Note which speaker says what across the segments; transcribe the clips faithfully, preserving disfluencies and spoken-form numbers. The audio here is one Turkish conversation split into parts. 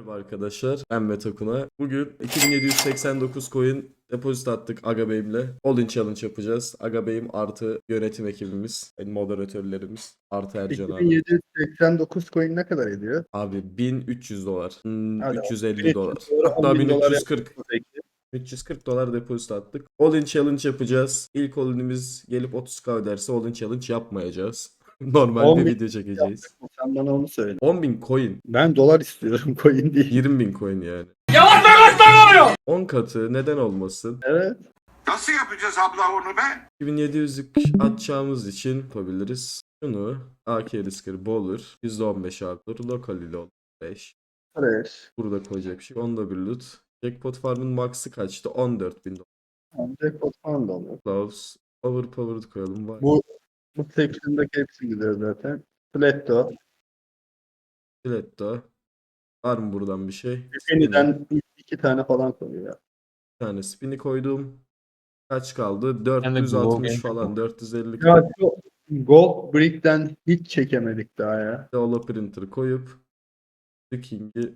Speaker 1: Merhaba arkadaşlar, ben Metakuna. Bugün iki bin yedi yüz seksen dokuz coin depozit attık Agabey'imle. All-in challenge yapacağız. Agabey'im artı yönetim ekibimiz, yani moderatörlerimiz, artı Ercan abi.
Speaker 2: iki bin yedi yüz seksen dokuz coin ne kadar ediyor?
Speaker 1: Abi bin üç yüz dolar, hmm,
Speaker 2: Hadi
Speaker 1: üç yüz elli dolar.
Speaker 2: dolara
Speaker 1: Hatta
Speaker 2: on bin dolar
Speaker 1: bin üç yüz kırk.
Speaker 2: yaptınız peki.
Speaker 1: üç yüz kırk dolar depozit attık. All-in challenge yapacağız. İlk all-in'imiz gelip otuz k öderse all-in challenge yapmayacağız. Normal
Speaker 2: on
Speaker 1: bir
Speaker 2: bin
Speaker 1: video çekeceğiz.
Speaker 2: yaptık mı? Sen bana onu söyle.
Speaker 1: on bin coin.
Speaker 2: Ben dolar istiyorum coin değil.
Speaker 1: yirmi bin coin yani. on katı neden olmasın?
Speaker 2: Evet.
Speaker 3: Nasıl yapacağız abla onu be?
Speaker 1: iki bin yedi yüzlük atacağımız için yapabiliriz. Şunu A K Risker Bowler yüzde on beş artır. Local ile on beş.
Speaker 2: Fresh.
Speaker 1: Burada koyacak bir şey. Onda bir loot. Jackpot Farm'ın max'ı kaçtı? on dört bin dolar.
Speaker 2: Jackpot falan da olur.
Speaker 1: Gloves. Overpowered koyalım. Var.
Speaker 2: Bu bu section'daki hepsi gidiyor zaten. Fletto.
Speaker 1: Stiletto. Var mı buradan bir şey?
Speaker 2: Penny'den iki tane falan koyuyor ya.
Speaker 1: Bir tane spin'i koydum. Kaç kaldı?
Speaker 4: de
Speaker 1: dört yüz altmış
Speaker 4: Glow
Speaker 1: falan. dört yüz elli
Speaker 2: Ya şu Gold Brick'ten hiç çekemedik daha ya.
Speaker 1: Holo Printer koyup The King'i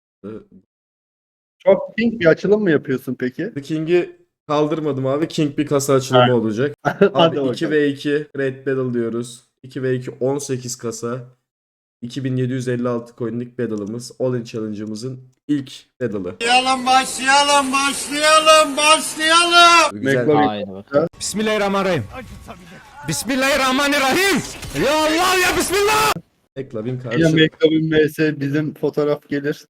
Speaker 2: Çok pink bir açılım mı yapıyorsun peki?
Speaker 1: The King'i kaldırmadım abi. King bir kasa açılımı olacak.
Speaker 2: Hadi
Speaker 1: Abi
Speaker 2: bakalım.
Speaker 1: iki ve iki Great Battle diyoruz. iki ve iki on sekiz kasa. iki bin yedi yüz elli altı coin'lik battle'ımız. All-in challenge'ımızın ilk battle'ı.
Speaker 3: Başlayalım, başlayalım, başlayalım, başlayalım.
Speaker 1: Güzel.
Speaker 2: McLaren-
Speaker 4: Haydi bak.
Speaker 5: Bismillahirrahmanirrahim. Bismillahirrahmanirrahim. Ya Allah ya Bismillah.
Speaker 1: Eklavin
Speaker 2: Yine
Speaker 1: karşı.
Speaker 2: McLaren V S bizim fotoğraf gelir.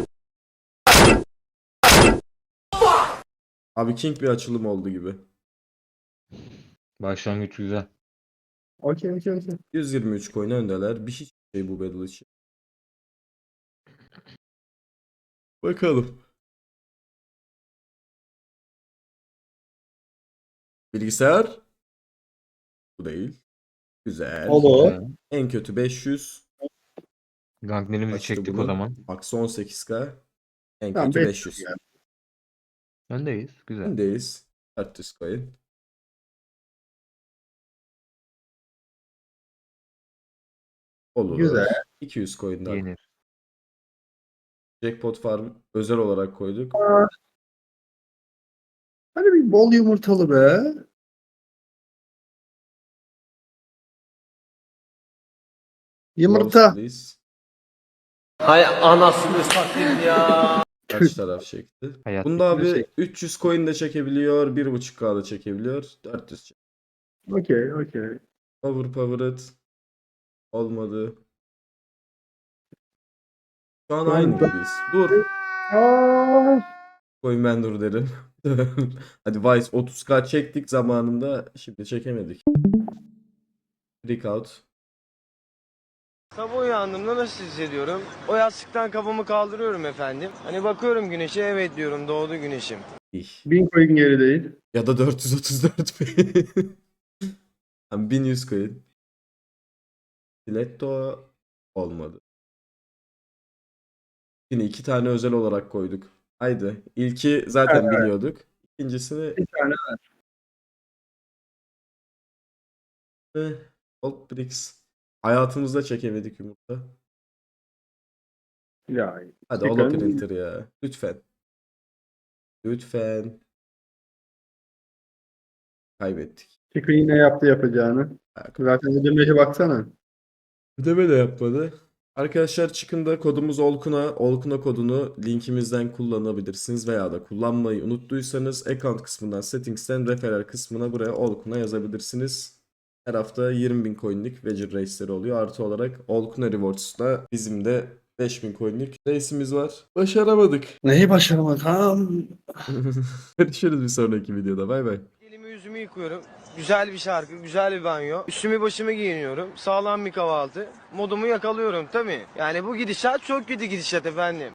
Speaker 1: Abi King bir açılım oldu gibi.
Speaker 4: Başlangıç güzel.
Speaker 2: Okey okey okey.
Speaker 1: yüz yirmi üç coin öndeler. Bir hiç şey bu battle için. Bakalım. Bilgisayar. Bu değil. Güzel.
Speaker 2: Olur.
Speaker 4: Güzel.
Speaker 1: En kötü beş yüz.
Speaker 4: Ganklerimizi
Speaker 1: Kaçtı
Speaker 4: çektik
Speaker 1: bunun?
Speaker 4: o zaman.
Speaker 1: Max on sekiz k. En
Speaker 2: Tamam,
Speaker 1: kötü
Speaker 2: beş
Speaker 1: beş yüz.
Speaker 2: yani.
Speaker 4: Öndeyiz. Güzel.
Speaker 1: Öndeyiz. dört yüz coin. Olur.
Speaker 2: Güzel.
Speaker 1: iki yüz coin daha.
Speaker 4: Yenir.
Speaker 1: Jackpot Farm özel olarak koyduk.
Speaker 2: Hadi bir bol yumurtalı be. Yumurta.
Speaker 1: Glows'tayız.
Speaker 5: Hay anasını satayım ya.
Speaker 1: Kaç taraf çekti?
Speaker 4: Hayat
Speaker 1: Bunda abi
Speaker 2: çek.
Speaker 1: üç yüz coin de çekebiliyor. bir buçuk k da çekebiliyor. dört yüz çek.
Speaker 2: Okey okey.
Speaker 1: Overpowered. Olmadı. Şu an
Speaker 2: Şu an
Speaker 1: aynı
Speaker 2: ben-
Speaker 1: gibiyiz. Dur.
Speaker 2: Aa,
Speaker 1: Coin ben dur derim. Hadi Vice otuz k çektik zamanında. Şimdi çekemedik. Freak out.
Speaker 6: Sabah uyandığımda nasıl hissediyorum? O yastıktan kafamı kaldırıyorum efendim. Hani bakıyorum güneşe, evet diyorum, doğdu güneşim.
Speaker 1: İh.
Speaker 2: bin coin gerideyiz.
Speaker 1: Ya da dört yüz otuz dört bin. Tam bin yüz coin. Stiletto olmadı. Yine iki tane özel olarak koyduk. Haydi. İlki zaten biliyorduk. İkincisini
Speaker 2: Bir tane
Speaker 1: eh, Gold Bricks. Hayatımızda çekemedik yumurta.
Speaker 2: ya.
Speaker 1: Hadi
Speaker 2: Çıkarın.
Speaker 1: Holo Printer ya. Lütfen. Lütfen. Kaybettik.
Speaker 2: Çıkı yine yaptı yapacağını. Zaten ödemeye baksana.
Speaker 1: Ödeme de yapmadı. Arkadaşlar çıkında kodumuz Olkuna. Olkuna kodunu linkimizden kullanabilirsiniz veya da kullanmayı unuttuysanız account kısmından settings'ten referral kısmına buraya Olkuna yazabilirsiniz. Her hafta yirmi bin coin'lik Wager Race'leri oluyor. Artı olarak Olkuna Rewards'la bizim de beş bin coin'lik race'imiz var. Başaramadık.
Speaker 2: Neyi başaramadım?
Speaker 1: Görüşürüz bir sonraki videoda. Bay bay.
Speaker 6: Elimi yüzümü yıkıyorum. Güzel bir şarkı, güzel bir banyo. Üstümü başımı giyiniyorum. Sağlam bir kahvaltı. Modumu yakalıyorum tabii. Yani bu gidişat çok kötü gidişat efendim.